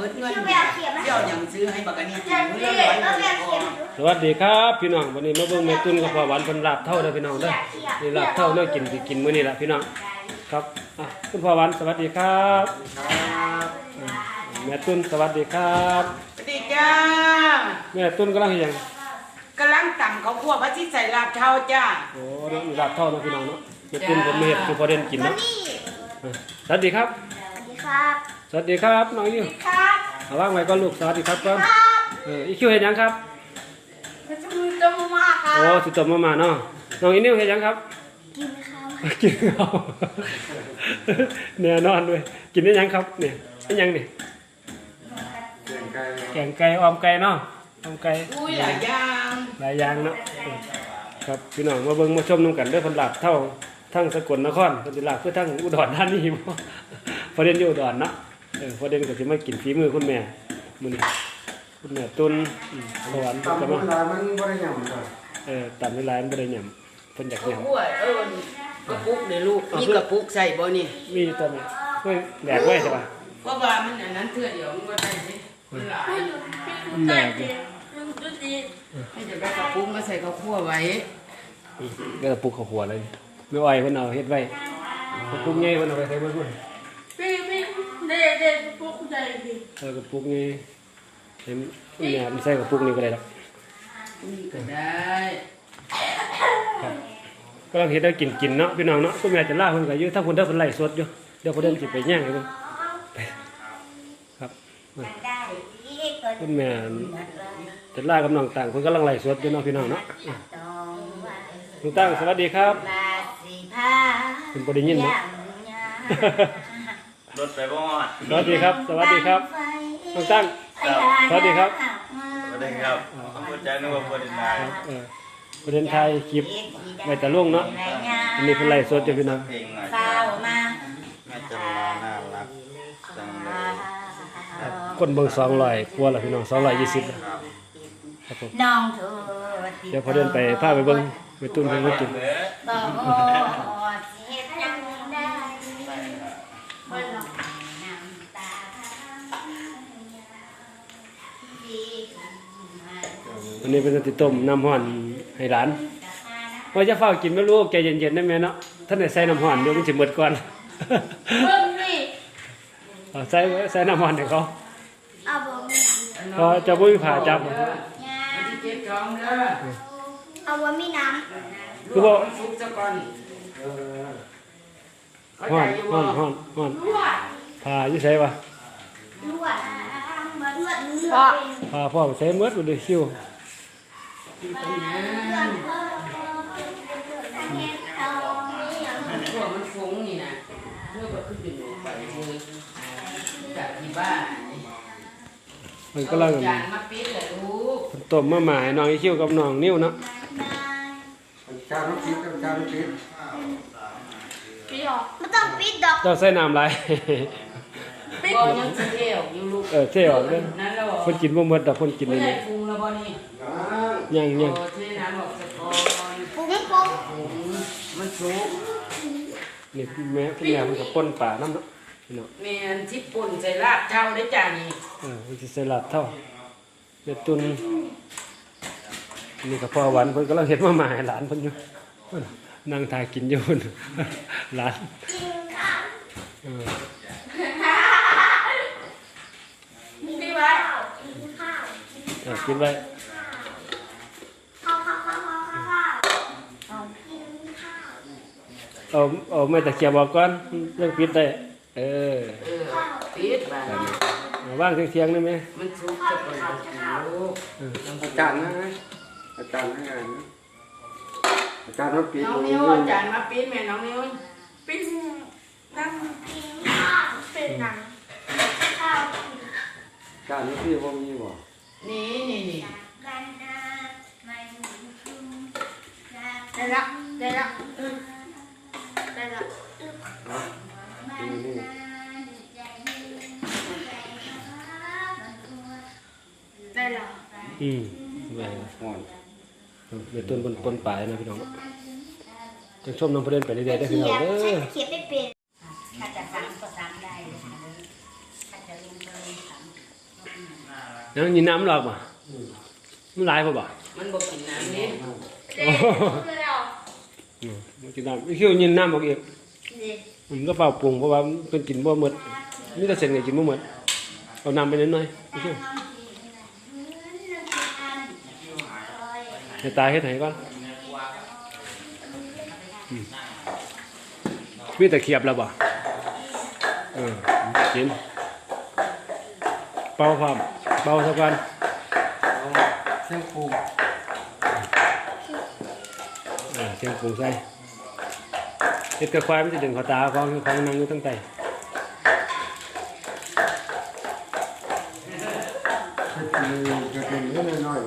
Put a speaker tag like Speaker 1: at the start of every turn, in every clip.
Speaker 1: ดเงินเดี๋ยวยังซื้อให้บักอันนี้กินมื้อละ100
Speaker 2: สวัสดีครับพี่น้องวันนี้มาเบิ่งแม่ตุ้นกับพ่อหวานเพิ่นลาบเท่าเด้อพี่น้องเด้อนี่ลาบเท่าเนาะกินสิกินมื้อนี้ล่ะพี่น้องครับคุณพ่อหวานสวัสดีครับแม่ตุ้นสวัสดีครับ
Speaker 1: สวัสดีจ้า
Speaker 2: แม่ตุ้นกำลังเฮ็ดหยัง
Speaker 1: กำลังตำข้าวคั่วพระที่ใส่ลาบเท่าจ้า
Speaker 2: โอ้นี่ลาบเท่าเนาะพี่น้องเนาะแม่ตุ้นผมมาเฮ็ดคือพอเด่นกินเนาะสวัสดีครับ
Speaker 3: สวัสดีครับ
Speaker 2: สวัสดีครับน้องอิว
Speaker 3: ครับ
Speaker 2: เอาวางไว้ก่อนลูกสวัสดีครับก่อนอีคิวเฮ็ดหยังครับ
Speaker 3: ต้มมาครับ
Speaker 2: โอ้สิต้มมาเนาะน้องอีนิวเฮ็ดหยังครับ
Speaker 3: กินข้าว
Speaker 2: กินข้าวแน่นอนด้วยกินได้ยังครับเนี่ยได้ยังนี่แกงไก่ออมไก่เนาะออมไก่
Speaker 1: หลาย
Speaker 2: อย่างเนาะครับพี่น้องมาเบิ่งมาชมน้ำกันด้วยคนหลับเท่าทั้งสกลนครคนที่หลับเพื่อทั้งอุดรธานีบ่ประเด็นอยู่อุดรเนาะประเด็นก็สิมากินฝีมือคุณแม่มื้อนี้คุณแม่ตุนสวรรค์ก็มา
Speaker 4: มันบ่ได้หยัง
Speaker 2: ตามเวลามันบ่ได้หยังเพิ่นอยากหยัง
Speaker 1: กระปุกเนี่ยลูกมีกระปุกใส่บ่นี่
Speaker 2: มีตอนนี้เพิ่นแหลกไว้ใช่ป่ะ
Speaker 1: เพราะว่ามันอันนั้นเทื่อเดียวมันบ่ได้สิมันหลาย
Speaker 2: มันแหลก
Speaker 1: ให้จะได้กระปุกมาใส่ข้าวคั่วไว้
Speaker 2: ก็กระปุกข้าวหัวเลยไม่อ้อยเพิ่นเอาเฮ็ดไว้กระปุกใหญ่เพิ่นเอาไปใส่เบิ่งพุ่น
Speaker 3: พี่เด็กพวกใจดิ
Speaker 2: กระปุกนี้เห็นเนี่ยมันใส่กระปุกนี้ก็ได้ดอก
Speaker 1: ก็ได้
Speaker 2: ครับก็เราเฮ็ดได้กินเนาะพี่น้องเนาะคุณแม่จะลาเพิ่นก็อยู่ถ้าเพิ่นได้เพิ่นไล่สดอยู่เดี๋ยวเพิ่นเดินสิไปแย่งให้เพิ่นครับคุณแม่จะลากับน้องต่างเพิ่นกำลังไล่สดอยู่เนาะพี่น้องเนาะน้องต่างสวัสดีครับคุณบ่ได้ยินเนาะ
Speaker 5: รถไปบ่ฮอด
Speaker 2: สวัสดีครับสวัสดีครับน้องตั้งสวัสดีครับ
Speaker 5: สวัสดีครับเข้าใจนึกว่าประเด็นไทย
Speaker 2: ประเด็นไทยคลิปไว้แต่ล่วงเนาะอันนี้เป็นไลฟ์สดอยู่พี่น้อง
Speaker 5: เพลงหน่อยแม่จำลาน่ารักจังเลย
Speaker 2: คนเบิ่ง200กว่าแล้วพี่น้อง220ครับผมเดี๋ยวพอเดินไปพาไปเบิ่งไปตุ้นเพิ่นมากินวันนี้เป็นติต้มน้ำห่อนให้หลานว่าจะเฝ้ากินไม่รู้แกเย็นๆได้ไหมเนาะท่านไหนใส่น้ำห่อนเดี๋ยวมันจะหมดก่อนใส่น้ำห่อนให้เขาพอจะบุ้ยผ่าจับ
Speaker 3: เอาว่ามีน้ำ
Speaker 2: คือว่า
Speaker 1: ซุปซะก่อน
Speaker 2: ห่อนผ่าอยู่ใส่ปะพ่อใส่เมือดเลยคิว
Speaker 1: พวกมันฟุ้งนี่นะเพื่อแบบขึ้นอยู่ไปคือจากที่บ้าน
Speaker 2: มันก็เล่ากัน
Speaker 1: มาปิดเลยลูก
Speaker 2: ต้มมาหมายน้องไอคิวกับน้องนิ้วเนาะ
Speaker 4: จานปิดจานปิด
Speaker 3: ปิดหรอไม่ต้องปิดดอก
Speaker 2: เจ้าใส่น้ำไร
Speaker 1: ปิดยังเที่ยวอยู่ลูก
Speaker 2: เที่ยวเลยคนกินบ่หมดดอกคนกินเลย
Speaker 1: ฟุ้งแล้วบ่นี่
Speaker 2: ยัง
Speaker 1: เทน้ำออกสักก่อน
Speaker 3: ฟุ้ง
Speaker 1: มันสุก
Speaker 2: นี่แม่คุณแม่มันก็ป่นป่าน้ำเนาะพี่น้อง
Speaker 1: แม่ที่ป่นใส่ลาบเท่าได้จ้านี่
Speaker 2: มันจะใส่ลาบเท่าเบ็ดตุนนี่ก็พอหวานเพิ่นก็เราเห็นมาให้หลานเพิ่นอยู่นั่งทากินอยู่หลาน
Speaker 3: กินไว้
Speaker 2: กินไว้เอาไม่ตะเกียบบอกก่อนเรื่องปิดได้
Speaker 1: ปิด
Speaker 2: บ้างว่างเที่ยงได้ไหม
Speaker 1: มันสุกจะเปิดลูก
Speaker 4: อาจารย์นะอาจารย์ให้งานอาจารย์มาปิด
Speaker 1: น้องนิ้วอาจารย์มาปิดแม่น้องนิ้ว
Speaker 3: ปิดนั่งกินข้าวเป็นหนังข้าว
Speaker 4: อาจารย์นี่พี่ว่ามีบ่
Speaker 1: นี่
Speaker 3: ได้ละได้ละ
Speaker 2: เดี๋ยวต้นปนป่ายนะพี่น้องจะชมน้องประเด็นไปเรื่อยๆได้พี่น้องเด้อ
Speaker 3: เขียนไม่เป็นถ้าจะ3ก็3ได้ถ้าจะลงเบอร์3
Speaker 2: แล้วยินน้ำหรอกบ่มันหลายบ่บ่
Speaker 1: มันบ่กินน้ำนี่
Speaker 3: เด็กคือเรา
Speaker 2: มันกินน้ำเขี้ยวยินน้ำบอกอีก
Speaker 3: เด็ก
Speaker 2: มันก็เปล่าปรุงเพราะว่าเป็นกินบ่หมดนี่แต่เส้นไงกินบ่หมดเอาน้ำไปนิดหน่อยเขี้ยวให้ตายให้ไหนก่อนมีแต่เขียบแล้วบ่กินเป่าความเป่าสักวัน
Speaker 4: เส้นปู
Speaker 2: เชียงปรุงใส่เห็ดกระควายมันจะดึงเขาตาของนั่งอยู่ตั้งแต่
Speaker 4: จะเป็นเรื่องน้อย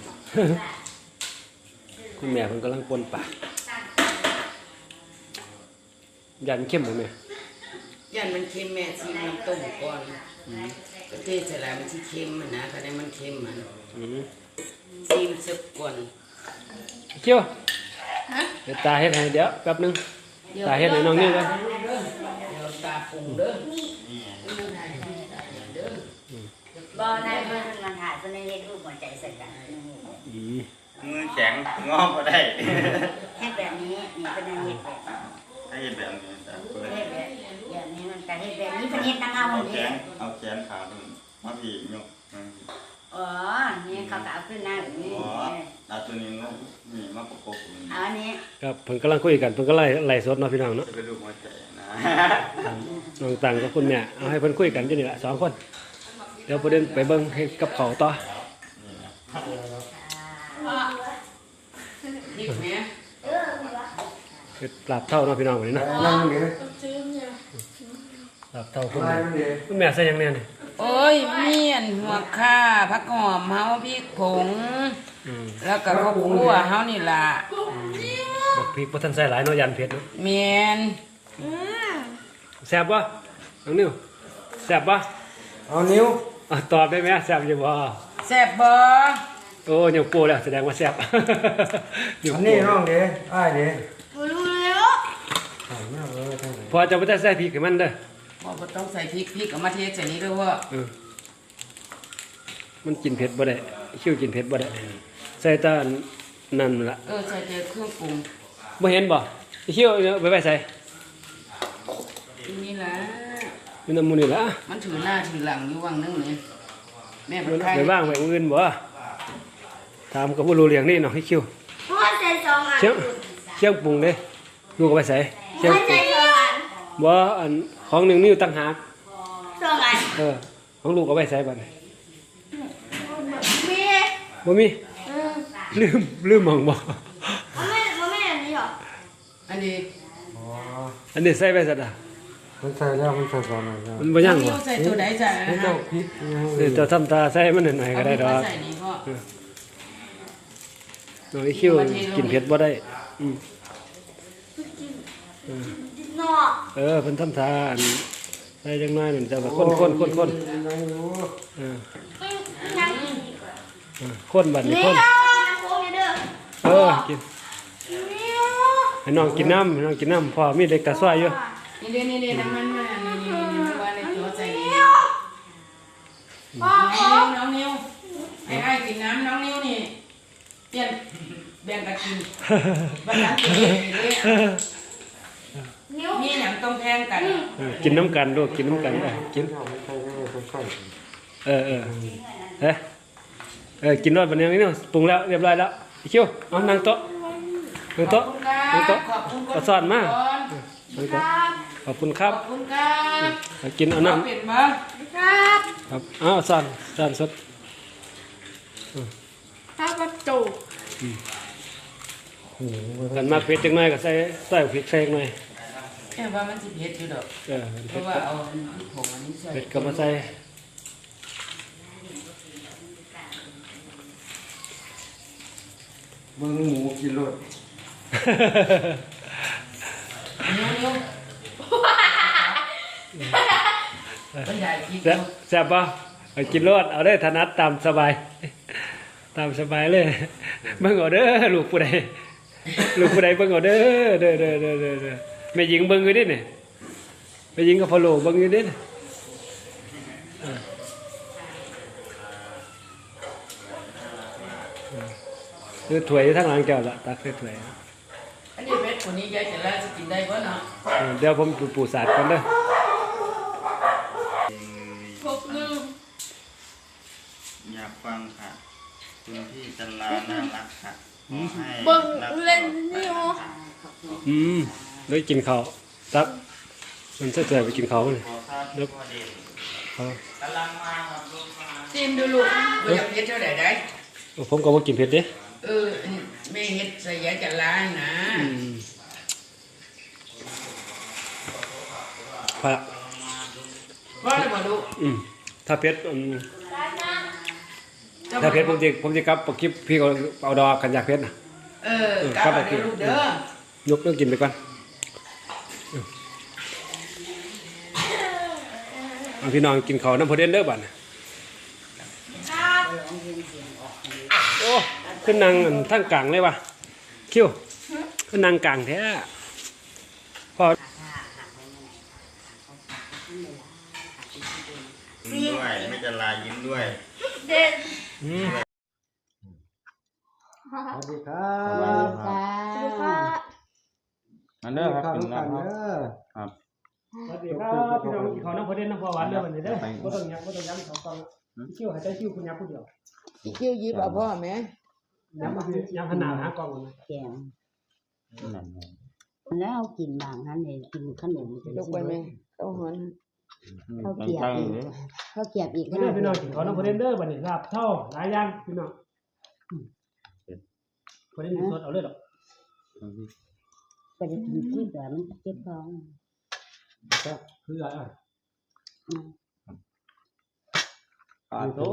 Speaker 2: คุณแม่เพิ่นกำลังปนปากยันเข้มหมดแม่
Speaker 1: ยันมันเค็มแม่ชิมน้ำต้มก่อนก็เทใส่ลายมันสิเค็มมันนะก็ได้มันเค็มมันชิมสักก่อน
Speaker 2: เขี้ยวเดี๋ยวตาเฮ็ดให้เดี๋ยวแป๊บนึงตาเฮ็ดให้น้องนี่ก่อน
Speaker 1: เดี๋ยวตาปรุงเด้อ
Speaker 6: บ่ได้เพิ่นมันถ่ายเพิ่นได้เฮ็ดรูปหัวใจใส่กัน
Speaker 5: มือแข็งงอก็ได้
Speaker 6: เฮ็ดแบบนี้นี่เพิ่นได้เฮ็ดแบบ
Speaker 5: ให้แบบนี้แต่เพื่อ
Speaker 6: เฮ็ดแบบนี้มันก็เฮ็ดแบบนี้เพิ่นเฮ็ดนำเอา
Speaker 5: เอา
Speaker 6: หมด
Speaker 5: แข
Speaker 6: นี่
Speaker 5: นเอาแขนขาขึ้นมาผียก
Speaker 6: อ๋อนี่เขาก็เอาขึ้นหน้าแบบนี้
Speaker 5: อ๋อเอาตัวนี้งนี่มาประกบกัน
Speaker 6: เอาอันนี้
Speaker 2: ครับเพิ่นกำลังคุยกันเพิ่นก็ไล่สดเนาะพี่น้องเนาะ
Speaker 5: จะเป็นรูปหัวใจนะ
Speaker 2: น้องตังกับคุณแม่เอาให้เพิ่นคุยกันอยู่นี่ล่ะ2คนเดี๋ยวประเด็นไปเบิ่งให้กับเขาวต่อ
Speaker 1: พริกแม่
Speaker 2: เฮ็ดลาบเท่าเนาะพี่น้องวันนี้เนาะ
Speaker 4: นั่งนี่
Speaker 2: ลาบเท่าคุณ
Speaker 4: อะไร
Speaker 2: แม่
Speaker 4: นั่นดี
Speaker 2: คุณแม่ใส่หยังแน่นี่
Speaker 1: โอ้ยเมียนหัวข่าผักหอมเฮาพริกผง แล้วก็ข้าวคั่วเฮานี่ล่ะ
Speaker 2: บักพริกบ่ทันใส่หลายเนาะยันเผ็ดเนาะ
Speaker 1: เมียน
Speaker 2: แซ่บบ่น้องนิวแซ่บบ่
Speaker 4: เอานิ้ว
Speaker 2: ตอบได้ไหมแซ่บอยู่บ่
Speaker 1: แซ่บบ่
Speaker 2: โอ้ยังโปรแล้วแสดงว่าแซ่บ
Speaker 4: อันนี้น้องเด้อ้ายเด้
Speaker 3: รู้แล้ว
Speaker 4: ถามแม่ทางไหน
Speaker 2: พอจะบ่ได้ใส่พริกให้มันเด้อ
Speaker 1: บ่ต้องใส่พริกเอามาเทใส่นี้เด้อว่า
Speaker 2: มันกินเผ็ดบ่ได้คิ้วกินเผ็ดบ่ได้ใส่แตานั่นล่ะ
Speaker 1: ใส่แต่เครื่องปรุง
Speaker 2: บ่เห็นบ่คิ้วเอาไปใส่
Speaker 1: นี่ล่ะ
Speaker 2: มีน้ำมูนี่ล่ะ
Speaker 1: มันถือหน้าถือหลังอยู่วังนึงเลยแม่บ่ใคร
Speaker 2: ไปบ้างไปอื่นบ่ถามกับบ่รู้เรื่องนี่เนาะคิ้ว
Speaker 3: พ่อใจสองอัน
Speaker 2: เชียงปรุงเด้ลูกเอาไปใส่เชียง
Speaker 3: พ่อ
Speaker 2: ป
Speaker 3: ใจ
Speaker 2: รุง
Speaker 3: สองอัน
Speaker 2: บ่อันของหนึงนิ้วต่างหาก
Speaker 3: สองอัน
Speaker 2: ของลูกเอาไปใส่บัดนี้
Speaker 3: มี
Speaker 2: บ่มีลืมหม่องบ่
Speaker 3: มันไม่อันนี้หรอ
Speaker 1: อันนี้
Speaker 4: อ๋อ
Speaker 2: อันนี้ใส่ไปซะดะ
Speaker 4: มันใส่แล้วมันใส่ก่อนหน่อยแล้ว
Speaker 2: มันบ่ยังบ่
Speaker 1: ใส่ตัวไหนใส่
Speaker 4: นี่
Speaker 1: นะ
Speaker 4: เจ้าพริก
Speaker 2: เดี๋ยวจะทำตาใส่มันหน่อยๆก็ได้ดอก
Speaker 1: ใส่นี่พ่อ
Speaker 2: น้องอีคิวกินเผ็ดบ่ได้อืม
Speaker 3: นอก
Speaker 2: เพิ่นทำทานใส่จังน้อยนั่นจะว่าคน
Speaker 4: นั่งอยู่
Speaker 3: นั่ง
Speaker 2: คนบัดนี้
Speaker 3: นี่
Speaker 2: คน
Speaker 3: เอาโค้งเด้อ
Speaker 2: กิน
Speaker 3: นี่
Speaker 2: ให้น้องกินน้ำให้น้องกินน้ำพอมีเด็กตาซ้อยอยู่
Speaker 1: นี่น้ำมันมานี่ว่าในตัวใส่นี่
Speaker 3: พ่อ
Speaker 1: น้องนิ้วไอ้กินน้ำน้องนิ้วนี่เปลี่ยนแบ่งกันกินบ้านหลังกินเลย
Speaker 3: นิ้ว
Speaker 1: นี่หยังต้องแพงกัน
Speaker 2: กินน้ำกันลูกกินน้ำกันกิน
Speaker 4: ไม่ใช่ไม่ใช่
Speaker 2: กินรอดบัดนี้นี่เนาะปรุงแล้วเรียบร้อยแล้วอีคิวเอานั่งโต๊ะนั่งโต๊ะนั่งโต๊ะ
Speaker 1: ขอบคุณ
Speaker 2: เอาซ่อนมานั่ง
Speaker 3: ค
Speaker 2: โต๊ะ
Speaker 3: รับ
Speaker 2: ขอบคุณครับ
Speaker 1: ขอบคุณครับ
Speaker 2: เอากินเอาน้ำ
Speaker 1: เป็ดบ้า
Speaker 3: ครับ
Speaker 2: ครับเอาซ่อนสด
Speaker 3: ข้าวกระจุก
Speaker 2: กันมากเผ็ดจังหน่อยก็ใส่พริกใส่หน่อย
Speaker 1: แค่ว่ามันสิเผ็ดอยู่ดอกเพราะว่าเอาผงอันนี้ใส่
Speaker 2: เผ็ดก็มาใส่
Speaker 4: เบิ่งหมูกินรส
Speaker 1: นิ้วบรรยายคิด
Speaker 2: แซ่บป่ะเอากินรสเอาได้ถนัดตามสบาย ตามสบายเลยเบิ่งเอาเด้อลูกผู้ใดเบิ่งเอาเด้อแม่หญิงเบิ่งอยู่ดิเนี่ยแม่หญิงกับพ่อโลเบิ่งอยู่ดิคือถ้วยอยู่ทางหลังแก้วละตักใส่ถ้วย
Speaker 1: อันนี้เม็ดคนนี้ยายจะล่าจะกินได้บ่เนาะ
Speaker 2: เดี๋ยวผมปูสาดก่อนเด้อ
Speaker 3: พกลืม
Speaker 5: อยากฟังค่ะคุณพี่จันลาน่ารักค่ะขอให้
Speaker 3: เบิ่ง
Speaker 5: รัก
Speaker 3: เล่นนี่โอ
Speaker 2: ได้กินข้าวตักมันจะไปกินข้าวเลย
Speaker 5: ขอทราบที่พ่อเด่น
Speaker 2: เขา
Speaker 5: กำลังมาครับลูกมา
Speaker 1: ชิมดูลูกบ่อยากเฮ็ดเท่าไหร่ได้
Speaker 2: ผมก็บ่กินเผ็ดเด้
Speaker 1: แม่เฮ็ดใส่ยายจะล่านะ
Speaker 2: พระ
Speaker 1: ว่าแล้วบ่ลูก
Speaker 2: ถ้าเผ็ดถ้าเผ็ดผมสิกลับปคลิปพี่ก็เอาดอกกันอยากเผ็ดน่ะ
Speaker 1: กลับมาเด้อลูกเด้อย
Speaker 2: กเรื่องกินไปก่อนเอาพี่น้องกินข้าวน้ำพอเด่นเด้อบัดน่ะ
Speaker 3: ครับ
Speaker 2: โอ้ขึ้นนางทั้งกลางเลยว่ะคิวขึ้นนางกลางแท้พอ
Speaker 5: ยิ้มด้วยไม่จันลายิ้มด้วย
Speaker 3: เด่น
Speaker 2: สวัสดีครั
Speaker 6: สวัส
Speaker 2: บ
Speaker 6: ดีค่ะ
Speaker 3: สวัสดีค่ะ
Speaker 5: อันเด้อครับกินแล้วครับ
Speaker 2: สวัสดีครับพี่น้องกินข้าวน้ำพอเด่นน้ำพอหวานเด้อบัดนี้เด้อบ่ต้องยักบ่ต้องยักสองกล่องคิวให้ใจคิวคุณยักผู้เดียว
Speaker 1: อีคิวยิบเอาพ่อแม่
Speaker 2: ยักขนาดหากล่องมัน
Speaker 6: แกงแล้วกินบางนั้นเลยกินขนม
Speaker 1: ลูกไปแม่เข้าหอน
Speaker 6: ข้าวเกรียบอีกข้าวเกรียบอีก
Speaker 2: เด้อพี่น้องกินข้าวน้ำพอเด่นเด้อบัดนี้ลาบเท่าหลายอย่างพี่น้องพอเด่นสดเอาเลยดอก
Speaker 6: ไปกินที่แต่มันเจ็บท้อง
Speaker 2: ก็คืออะไร
Speaker 5: โต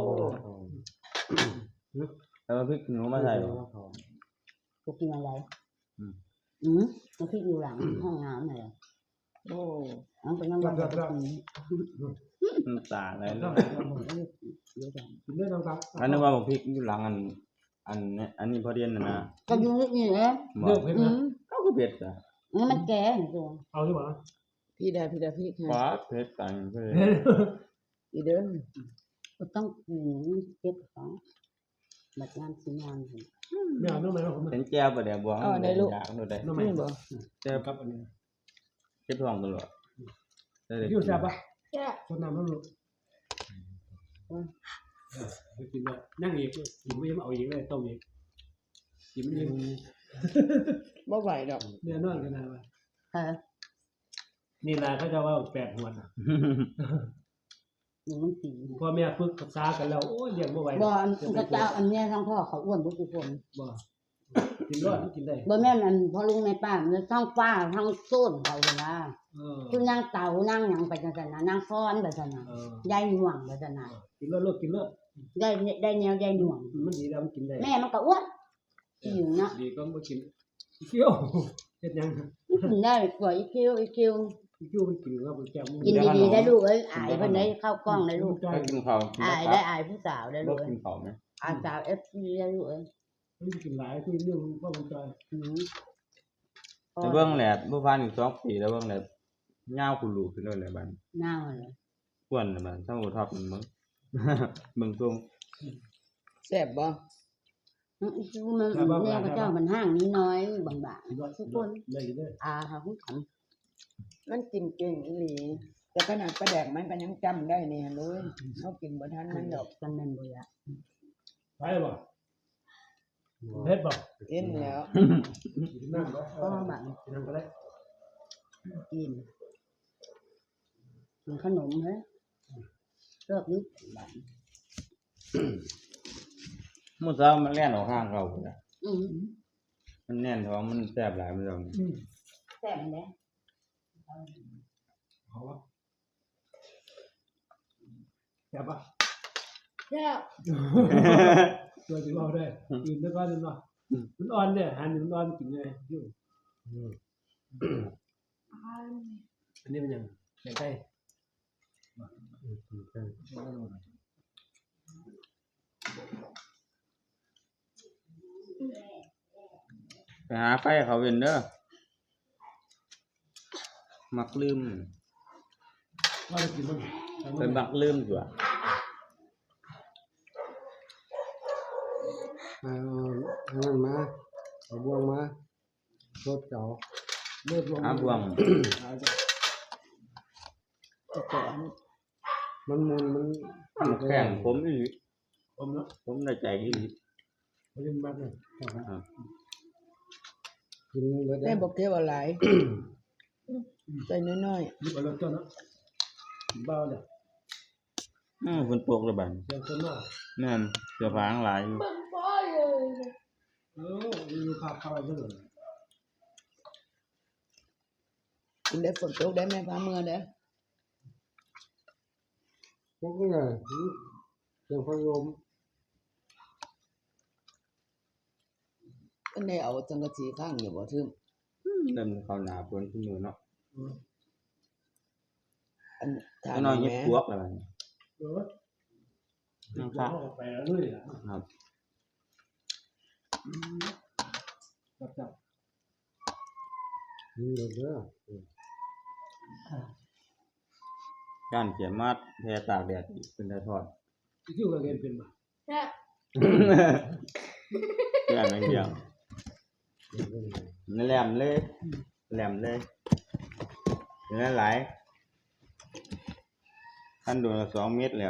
Speaker 5: แล้วพริกหนูมาใส่
Speaker 6: จะกินอะไรมันที่อยู่หลังห้องน้ำเลย
Speaker 1: โอ้
Speaker 6: มันเป็นน้ำมันจะกิน
Speaker 5: น้ำตาอะไร
Speaker 2: ต้อง
Speaker 6: เยอะจัง
Speaker 2: กินเรื่องต่าง
Speaker 5: อันนี้ว่าพริกอยู่หลังอันนี้พอเดียนนะ
Speaker 6: ก็อยู่นี่แหละ
Speaker 2: เลือกเพชรนะ
Speaker 5: เขาก็เผ็ดอ่ะ
Speaker 6: มันแก่ตัว
Speaker 2: เอาใช่ป่ะ
Speaker 1: พี่ได้พี่
Speaker 5: ฟ้าเผ็ดต่างเพื่อน
Speaker 1: อีเด้อ
Speaker 6: ก็ต้องกินเจ็บท้องบัดงานสิงาน
Speaker 2: ไม่เอาเรื่องไหนผม
Speaker 5: เป็นแก้วประเดี๋ยวบวงอยากดูได้
Speaker 2: เรื่องไหน
Speaker 1: นี่บ่
Speaker 5: แก้ว
Speaker 2: ครับอันนี้
Speaker 5: เจ็บท้องตลอดได้เลย
Speaker 2: ยูแซ่บปะ
Speaker 3: แก่
Speaker 2: คนน้ำมันลูกกินเลยนั่งอีกกินไม่เอาอีกเลยต้มอีกกินไม่
Speaker 1: บ่ไหวดอก
Speaker 2: เนื้อนวลกันนะว่า นี่แหละเขาจะว่า8 หัวน่ะ
Speaker 6: มันสี
Speaker 2: พ่อแม่ฝึกภาษากันแล้วโอ้ยเลี้ยงบ่ไหว
Speaker 6: บ่กระเจ้าอันนี้ทั้งพ่อเขาอ้วนทุกคน
Speaker 2: บ่กินรอดกินได้
Speaker 6: บ่แม่นอันพ่อลุงแม่ป้ามันทั้งป้าทั้งโซนเขาเลยนะ คือนางเต่านางหยังไปจังซั่นน่ะนางฟ้อนไปจังซั่นน่ะยายหน่วงไปจังซั่นน่ะ
Speaker 2: กินรอดลูกกินรอด
Speaker 6: ได้แนวยายหน่วง
Speaker 2: มันดีแล้วมันกินได้
Speaker 6: แม่มันก็อ้วนอยู่เนาะ
Speaker 2: ดีก็บ่กินเคี้ยวเฮ็ดยัง
Speaker 6: กินได้กว่าอีคิว
Speaker 2: เคี้ยวมันกินว่ามันแก้ม
Speaker 6: กินดีๆได้ลูกเอ้ยอายเพิ่นได้เข้ากล้องได้ลูก
Speaker 5: ก็กินข้าว
Speaker 6: อายได้อายผู้สาวได้
Speaker 5: ลู
Speaker 6: ลู
Speaker 5: ก
Speaker 6: กเอ้
Speaker 5: กิ
Speaker 6: ย
Speaker 5: นข้าวไหม
Speaker 6: อายสาว FC ได้ลูกเอ้ย
Speaker 2: มันกินหลายคือเรื่องว่ามันจอย
Speaker 5: แต่เบื้องแหลดผู้พันอีก2 ปีแล้วเบื้องแหลดเงาคุณลูกขึ้นเลยแหละบ้าน
Speaker 6: หน้าเลย
Speaker 5: กวนบ้านทั้งหมดท็อปมันมึงเบิ่งตรง
Speaker 1: แซ่บบ่
Speaker 6: มันแม่ก็เจ้ามันห้างนี้น้อยบางๆทุกคน
Speaker 2: ได้เด้อ
Speaker 6: ค่ะผู้ถาม
Speaker 1: มันกินเก่งอีหลีแต่ขนาดปลาแดกมันก็ยังจำได้นี่เลยเฮากินบ่ทันมันดอก
Speaker 6: กันแม่นบ่ล่ะ
Speaker 2: ไปบ่เฮ็ดบ่
Speaker 1: เอ็นแล้ว
Speaker 2: กินน้ำบ่
Speaker 6: ก็บาง
Speaker 2: กินน้ำก็ได้
Speaker 6: กินขนมเฮ้ยเลิกนิดบาง
Speaker 5: มื้อเช้ามันแล่นออกข้างเขาพุ่นน่ะ
Speaker 6: อืม
Speaker 5: มันแน่นท้องมันแซ่บหลายมันจัง
Speaker 6: แซ่บแหละ
Speaker 2: เอาวะแซ่บปะ
Speaker 3: แก่
Speaker 2: ตัวสิว่าได้กินแล้วก็นั่นเนาะมันอ่อนเนี่ยหันมันอ่อนกินเลยอยู่อันนี้มันยังแกงไก่
Speaker 5: ไปหาไฟเขาเว้นเด้อมักลืม
Speaker 2: ว่าจะกินมัน
Speaker 5: เป็นมักลืมตัว
Speaker 4: เอานั่นมาเอาบวงมาสดเก่าเลือดลง
Speaker 5: หาบวง
Speaker 4: มันมุนมัน
Speaker 5: มันแข็งผมอีหลี
Speaker 4: ผมเนาะ
Speaker 5: ผมในใจอีหลี
Speaker 4: เขาเล่นบ้านเลย
Speaker 5: ครับ
Speaker 4: กินเลย
Speaker 7: แม่บอกเทวอะไรใส่น้อย
Speaker 4: หยิบเอาเริ่มต้นเนาะเบาเลย
Speaker 5: ฝนตกแล้วบัด
Speaker 4: เริ่มต้นเนาะ
Speaker 5: แม่นเสื้อผ้าทั้งหลายอยู่
Speaker 3: เป็นพ่อเลย
Speaker 4: มีภาพเข้าไปด้วย
Speaker 7: ๆกินได้ฝนตกได้แม่พาเมื่อได้
Speaker 4: พวกนี้เลยยังพยม
Speaker 7: ก็ได้เอาจังกะสีข้างอยู่บ่ทึม
Speaker 5: เริ่มเข้าหน้าฝนขึ้นมือเนาะ
Speaker 7: อันถาม
Speaker 5: ไอ้น้อยเฮ็ด
Speaker 7: แม่
Speaker 5: ปวกแล้วบัดนี้
Speaker 4: น้องฟ้าไปแล้วเลยอ่ะ
Speaker 5: ครับ
Speaker 4: จับนี่เลยเด้อ
Speaker 5: การเขียนมาแพร่ตากแดดเป็นได้ทอด
Speaker 4: ที่เราเรียนเป็นมา
Speaker 3: แม่
Speaker 5: อย่างนั้นเดียวแหลมเลยแหลมเลยเนื้อหลายขั้นโดนละ2 เมตรแล้ว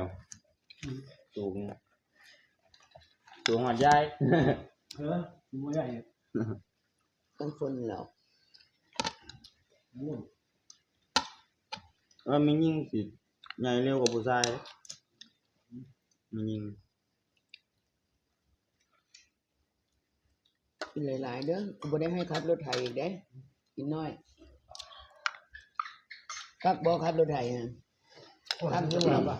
Speaker 5: สูงหัดใหญ่
Speaker 4: ไม่ใหญ่
Speaker 7: ต้องฝนแล้ว
Speaker 4: ม่วน
Speaker 5: มียิ่งสิใหญ่เร็วกว่าผู้ชายมียิ่ง
Speaker 7: กินหลายๆเด้อกูบ่ได้ให้ขับรถไถอีกเด้กินน้อยคักบ่ขับรถไถฮะ
Speaker 4: ทำยังไงบ้าง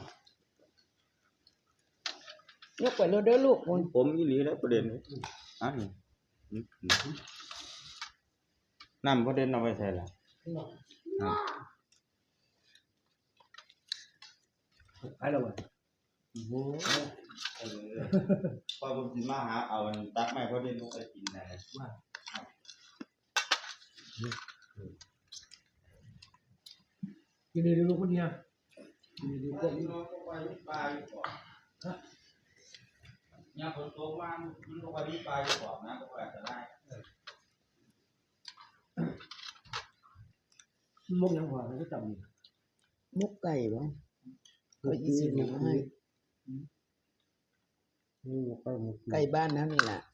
Speaker 7: ยกไปรถเด้อลูกคุณ
Speaker 5: ผมอีหลีแล้วประเด็นนี้นี่น้ำประเด็นเอาไปใส่ละ
Speaker 4: ไปแล้ววะ
Speaker 5: พอผมกินมาหาเอาตักไม้ประเด็นลงไปกินได้
Speaker 4: กินดีลูกคนเนี้ยกินดีพวกนี้
Speaker 5: เนี่ยฝนตกมามันก็ไปที่ปลายก่อนนะก็อาจจะได้
Speaker 4: มกยังหัวมันก็จำ
Speaker 7: มุกไก่บ่ก็อีสิมาให้ ไก่บ้านนั้นนี่ล่ะ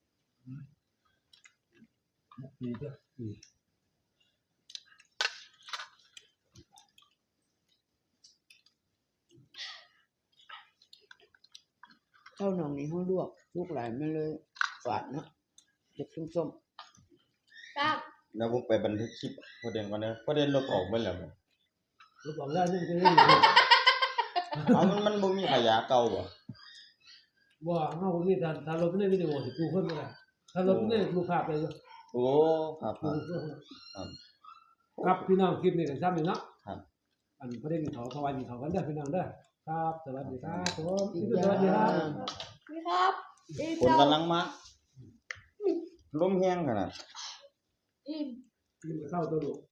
Speaker 4: ดีจ้ะ
Speaker 7: ข้าวหนองนี่เฮาลวกลูกหลานมันเลยฝาดเนาะเด็กส้ม
Speaker 3: ครับ
Speaker 5: แล้วผมไปบันทึกคลิปประเด็นก่อนนะประเด็นลบออกไปแล้ว
Speaker 4: ลูกบอกแล้วนี่จะ
Speaker 5: เอามันบ่มีขยะเก่าบ่
Speaker 4: ว่าเอาคนนี้ถ้าเราไม่ได้วิดีโอสิกูคนไม่ได้ถ้าเราไม่ได้ดูภาพเลย
Speaker 5: โอ้ครับครับ
Speaker 4: ครับพี่น้องคลิปนี้กันซ้ำอยู่เนาะ
Speaker 5: ครับ
Speaker 4: อันประเด็นเขาถวายเขากันได้พี่น้องได้ครับสวัสดีครับผม
Speaker 7: ๆอีก
Speaker 4: ส
Speaker 7: อย่า
Speaker 4: วัสดีครับ
Speaker 3: นี่ครับอี
Speaker 5: ฝนกำลังมาลมแห้งขนาด
Speaker 3: อิ่ม
Speaker 4: กินข้าวตัวลูก